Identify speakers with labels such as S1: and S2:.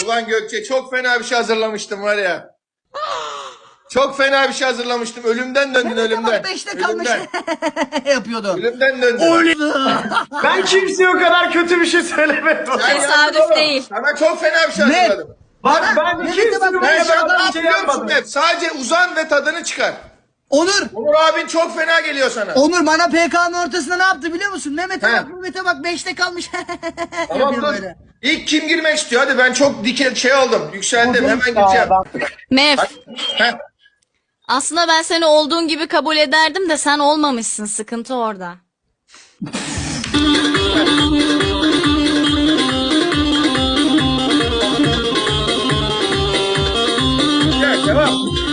S1: Ulan Gökçe çok fena bir şey hazırlamıştım var ya. Çok fena bir şey hazırlamıştım. Ölümden döndün ölümden.
S2: Bak 5'te kalmış. yapıyordu.
S1: Ölümden döndün.
S3: Ben kimseye o kadar kötü bir şey söylemedim.
S1: Sen
S4: Tesadüf
S1: yaptın oğlum.
S4: değil.
S1: Sana çok fena bir şey
S2: Ne?
S1: hazırladım.
S3: Bak ben
S2: Mehmet'e
S3: kimseye
S2: bak,
S3: bu
S1: Ben şu an
S3: kadar
S1: ne
S3: bir şey
S1: biliyor musun
S3: yapmadım.
S1: hep? Sadece uzan ve tadını çıkar.
S2: Onur.
S1: Onur abin çok fena geliyor sana.
S2: Onur bana PK'nın ortasında ne yaptı biliyor musun? Mehmet'e
S1: He.
S2: bak, Mehmet'e bak 5'te kalmış.
S1: Tamam
S2: Yapıyor
S1: dur.
S2: böyle.
S1: İlk kim girmek istiyor? Hadi ben çok şey oldum. Yükseldim. Hemen gireceğim.
S4: Mev.
S1: Heh.
S4: Aslında ben seni olduğun gibi kabul ederdim de sen olmamışsın. Sıkıntı orada.
S1: Gel, devam.